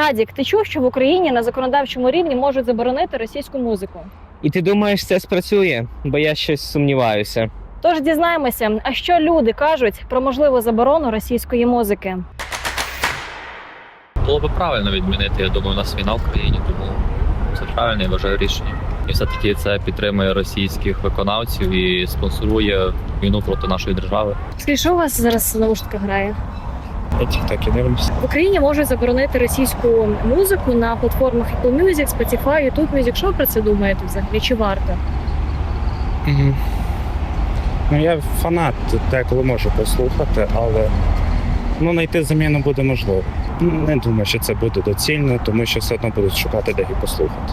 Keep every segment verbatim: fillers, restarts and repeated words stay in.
Радік, ти чув, що в Україні на законодавчому рівні можуть заборонити російську музику? І ти думаєш, це спрацює? Бо я щось сумніваюся. Тож дізнаємося, а що люди кажуть про можливу заборону російської музики. Було б правильно відмінити, я думаю, у нас війна в країні, тому це правильне, я вважаю, рішення. І все-таки це підтримує російських виконавців і спонсорує війну проти нашої держави. Скажіть, що у вас зараз наушника грає? Я тік-так і дивлюся. В Україні можуть заборонити російську музику на платформах Apple Music, Spotify, YouTube Music. Що ви про це думаєте взагалі? Чи варто? Угу. Ну, я фанат, деколи можу послухати, але ну, знайти заміну буде можливо. Не думаю, що це буде доцільно, тому що все одно будуть шукати, де її послухати.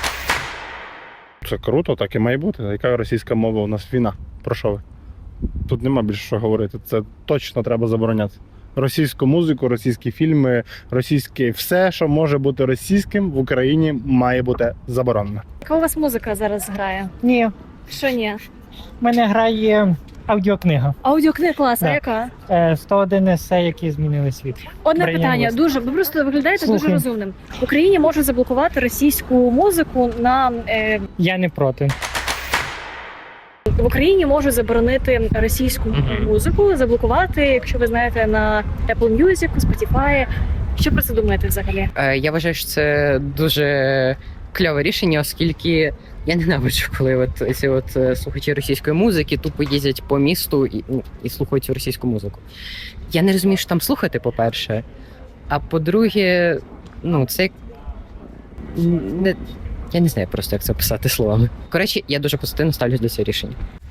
Це круто, так і має бути. Яка російська мова у нас війна? Про що ви? Тут нема більше що говорити. Це точно треба забороняти. Російську музику, російські фільми, російське все, що може бути російським в Україні, має бути заборонено. Яка у вас музика зараз грає? Ні, Що ні? в мене грає аудіокнига. Аудіокнига класна, Да. яка? Е, сто один есе, які змінили світ. Одне Брайан питання. Вест. Дуже ви просто виглядаєте дуже Слухаю. розумним. В Україні можуть заблокувати російську музику на е, Я не проти. в Україні можуть заборонити російську Мгм. музику, заблокувати, якщо ви знаєте, на Apple Music, Spotify. Що про це думаєте взагалі? Е, Я вважаю, що це дуже кльове рішення, оскільки я ненавиджу, коли от ці от е, слухачі російської музики тупо їздять по місту і, ну, і слухають цю російську музику. Я не розумію, що там слухати, по-перше. А по-друге, ну, це не, я не знаю просто, як це описати словами. Коротше, я дуже позитивно ставлюсь до цього рішення.